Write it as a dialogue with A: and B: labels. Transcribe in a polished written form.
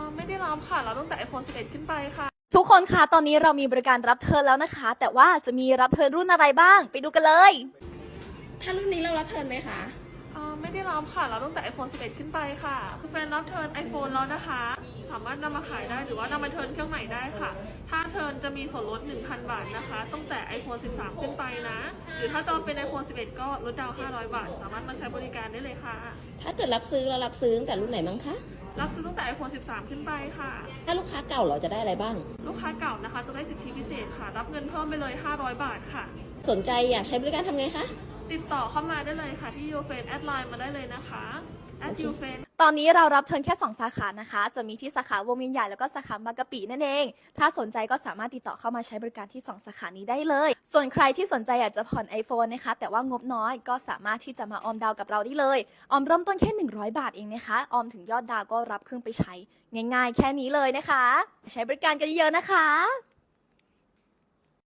A: ไม่ได้รับค่ะรับตั้งแต่ iPhone 11 ขึ้นไปค่ะ
B: ทุกคนคะตอนนี้เรามีบริการรับเทิร์นแล้วนะคะ แต่ว่าจะมีรับเทิร์นรุ่นอะไรบ้างไปดูกันเลย
C: ถ้ารุ่นนี้เรารับเทิร์นไหมคะ
A: ไม่ได้รับค่ะรับตั้งแต่ iPhone 11 ขึ้นไปค่ะคือแฟนรับเทิร์น iPhone แล้วนะคะ สามารถนำมาขายได้หรือว่านำมาเทิร์นเครื่องใหม่ได้ค่ะ ถ้าเทิร์นจะมีส่วนลด 1,000 บาทนะคะตั้งแต่ iPhone 13 ขึ้นไปนะ หรือถ้าจองเป็น iPhone 11 ก็ลดดาวน์500 บาท สามารถมาใช้บริการได้เลยค่ะ
C: ถ้าเกิดรับซื้อเรารับซื้อตั้งแต่รุ่นไหนมั้งคะ
A: รับซื้อตั้งแต่ iPhone 13 ขึ้นไปค่ะ
C: ถ้าลูกค้าเก่าเราจะได้อะไรบ้าง
A: ลูกค้าเก่านะคะจะได้สิทธิพิเศษค่ะ รับเงินเพิ่มไปเลย 500 บาทค่ะ
C: สนใจอยากใช้บริการทำไงคะ
A: ติดต่อเข้ามาได้เลยค่ะที่ยูเฟนแอดไลน์มาได้เลยนะคะยูเฟน
B: ตอนนี้เรารับเทิร์นแค่ 2 สาขานะคะ จะมีที่สาขาวงเวียนใหญ่แล้วก็สาขาบางกะปินั่นเอง ถ้าสนใจก็สามารถติดต่อเข้ามาใช้บริการที่ 2 สาขานี้ได้เลย ส่วนใครที่สนใจอยากจะผ่อน iPhone นะคะ แต่ว่างบน้อยก็สามารถที่จะมาออมดาวกับเราได้เลย ออมเริ่มต้นแค่ 100 บาทเองนะคะ ออมถึงยอดดาวก็รับเครื่องไปใช้ ง่ายๆ แค่นี้เลยนะคะ ใช้บริการกันเยอะๆนะคะ